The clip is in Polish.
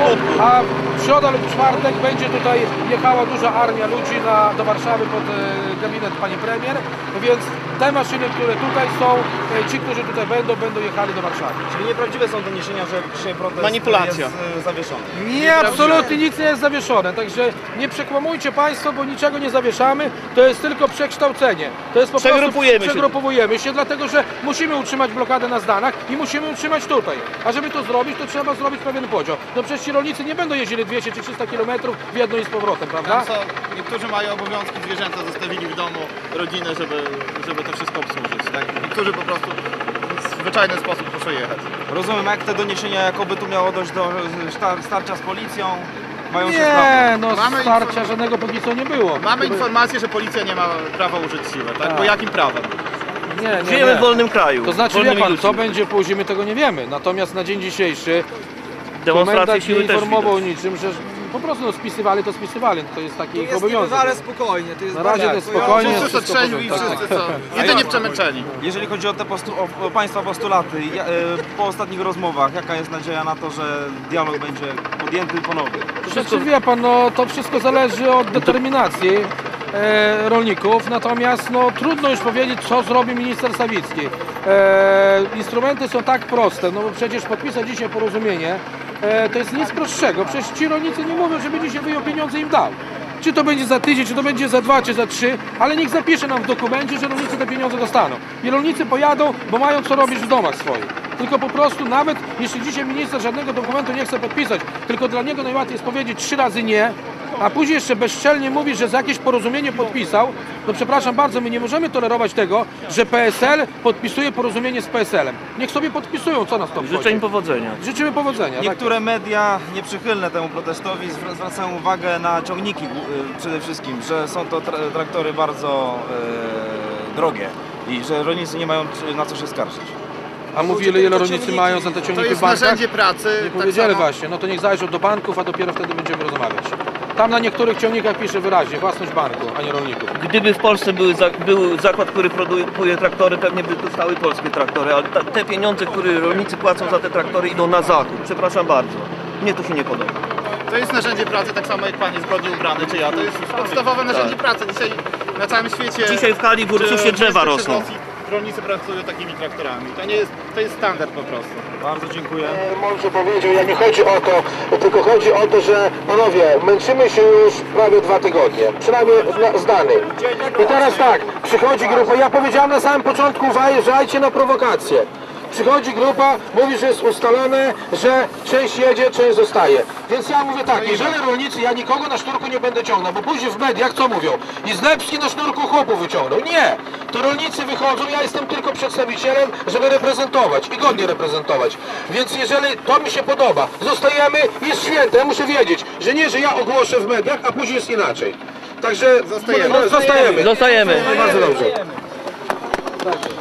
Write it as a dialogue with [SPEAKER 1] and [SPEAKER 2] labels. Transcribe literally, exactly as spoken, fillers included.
[SPEAKER 1] a w środę lub czwartek będzie tutaj jechała duża armia ludzi na, do Warszawy pod e, gabinet pani premier, więc te maszyny, które tutaj są, e, ci, którzy tutaj będą, będą jechali do Warszawy.
[SPEAKER 2] Czyli nieprawdziwe są doniesienia, że dzisiaj protest
[SPEAKER 3] Manipulacja.
[SPEAKER 2] jest e, zawieszony.
[SPEAKER 1] Nie, absolutnie nic nie jest zawieszone, także nie przekłamujcie Państwo, bo niczego nie zawieszamy, to jest tylko przekształcenie. To jest po
[SPEAKER 3] Przegrupujemy
[SPEAKER 1] prostu,
[SPEAKER 3] się.
[SPEAKER 1] przegrupujemy się, dlatego że musimy utrzymać blokadę na Zdanach i musimy utrzymać tutaj. A żeby to zrobić, to trzeba zrobić pewien podział. No przecież ci rolnicy nie będą jeździli dwieście czy trzysta kilometrów w jedno i z powrotem, prawda?
[SPEAKER 4] Tam są, niektórzy mają obowiązki, zwierzęta zostawili w domu, rodzinę, żeby, żeby to wszystko obsłużyć. Tak? Niektórzy po prostu w zwyczajny sposób muszą jechać.
[SPEAKER 2] Rozumiem, jak te doniesienia, jakoby tu miało dojść do star starcia z policją, mają się
[SPEAKER 1] Nie,
[SPEAKER 2] sprawdzać.
[SPEAKER 1] no
[SPEAKER 4] Mamy
[SPEAKER 1] starcia
[SPEAKER 4] inform-
[SPEAKER 1] żadnego póki co nie było.
[SPEAKER 4] Mamy informację, że policja nie ma prawa użyć siły, tak?
[SPEAKER 1] Tak.
[SPEAKER 4] Bo jakim prawem?
[SPEAKER 1] Nie, nie,
[SPEAKER 3] Żyjemy
[SPEAKER 1] nie.
[SPEAKER 3] w wolnym kraju.
[SPEAKER 1] To znaczy, wie
[SPEAKER 3] wolnymi
[SPEAKER 1] pan,
[SPEAKER 3] ludźmi.
[SPEAKER 1] co będzie później, my tego nie wiemy. Natomiast na dzień dzisiejszy
[SPEAKER 3] Demonstracje
[SPEAKER 1] komendant
[SPEAKER 3] siły
[SPEAKER 1] nie
[SPEAKER 3] też
[SPEAKER 1] informował
[SPEAKER 3] widać.
[SPEAKER 1] niczym, że po prostu no, spisywali, to spisywali. To jest taki
[SPEAKER 5] To
[SPEAKER 1] ich
[SPEAKER 5] jest
[SPEAKER 1] obowiązek.
[SPEAKER 5] niebywale spokojnie, to jest
[SPEAKER 1] Na razie to jest
[SPEAKER 5] bardzo-
[SPEAKER 1] spokojnie.
[SPEAKER 4] Wszyscy
[SPEAKER 1] wszystko
[SPEAKER 4] to trzeźwi i
[SPEAKER 1] porządku.
[SPEAKER 4] wszyscy są jedynie przemęczeni.
[SPEAKER 2] Jeżeli chodzi o te postu o, o Państwa postulaty, ja, e, po ostatnich rozmowach, jaka jest nadzieja na to, że dialog będzie podjęty ponownie?
[SPEAKER 1] Znaczy, wie pan, no, to wszystko zależy od determinacji e, rolników, natomiast no, trudno już powiedzieć, co zrobi minister Sawicki. E, instrumenty są tak proste, no bo przecież podpisać dzisiaj porozumienie e, to jest nic prostszego. Przecież ci rolnicy nie mówią, żeby dzisiaj wyjął pieniądze i im dał. Czy to będzie za tydzień, czy to będzie za dwa, czy za trzy, ale niech zapisze nam w dokumencie, że rolnicy te pieniądze dostaną. I rolnicy pojadą, bo mają co robić w domach swoich. Tylko po prostu nawet jeśli dzisiaj minister żadnego dokumentu nie chce podpisać, tylko dla niego najłatwiej jest powiedzieć trzy razy nie, a później jeszcze bezczelnie mówi, że za jakieś porozumienie podpisał, no przepraszam bardzo, my nie możemy tolerować tego, że P S L podpisuje porozumienie z P S L-em. Niech sobie podpisują, co nas to
[SPEAKER 3] Życzę im
[SPEAKER 1] obchodzi.
[SPEAKER 3] powodzenia.
[SPEAKER 1] Życzymy powodzenia.
[SPEAKER 2] Niektóre media nieprzychylne temu protestowi zwra- zwracają uwagę na ciągniki e, przede wszystkim, że są to tra traktory bardzo e, drogie i że rolnicy nie mają czy- na co się skarżyć.
[SPEAKER 1] A mówili, ile rolnicy mają za te
[SPEAKER 4] To
[SPEAKER 1] ciągniki w
[SPEAKER 4] jest
[SPEAKER 1] bankach?
[SPEAKER 4] narzędzie pracy.
[SPEAKER 1] Nie
[SPEAKER 4] tak
[SPEAKER 1] powiedzieli
[SPEAKER 4] samo-
[SPEAKER 1] właśnie, no to niech zajrzą do banków, a dopiero wtedy będziemy rozmawiać. Tam na niektórych ciągnikach pisze wyraźnie własność banku, a nie rolników.
[SPEAKER 3] Gdyby w Polsce były za, był zakład, który produkuje traktory, pewnie by dostały polskie traktory, ale ta, te pieniądze, które rolnicy płacą za te traktory, idą na zachód. Przepraszam bardzo. Mnie to się nie podoba.
[SPEAKER 4] To jest narzędzie pracy, tak samo jak pan jest zgodnie ubrany, czy ja. To jest podstawowe narzędzie pracy. Dzisiaj na całym świecie...
[SPEAKER 3] Dzisiaj w Kali w Ursusie
[SPEAKER 4] czy
[SPEAKER 3] drzewa
[SPEAKER 4] w
[SPEAKER 3] rosną.
[SPEAKER 4] Rosji rolnicy pracują takimi traktorami. To nie jest, to jest standard po prostu.
[SPEAKER 2] Bardzo dziękuję.
[SPEAKER 6] Mądrze powiedział, ja nie chodzi o to, tylko chodzi o to, że panowie, męczymy się już prawie dwa tygodnie, przynajmniej na- z danych. I teraz tak, przychodzi grupa, ja powiedziałem na samym początku, uważajcie na prowokację. Przychodzi grupa, mówi, że jest ustalone, że część jedzie, część zostaje. Więc ja mówię tak, jeżeli rolnicy, ja nikogo na sznurku nie będę ciągnął, bo później w mediach co mówią? I Zlepski na sznurku chłopów wyciągnął. Nie! To rolnicy wychodzą, ja jestem tylko przedstawicielem, żeby reprezentować i godnie reprezentować. Więc jeżeli to mi się podoba, zostajemy, jest święte, ja muszę wiedzieć, że nie, że ja ogłoszę w mediach, a później jest inaczej. Także
[SPEAKER 4] Zostajemy.
[SPEAKER 6] no, zostajemy.
[SPEAKER 3] Zostajemy.
[SPEAKER 6] Bardzo dobrze.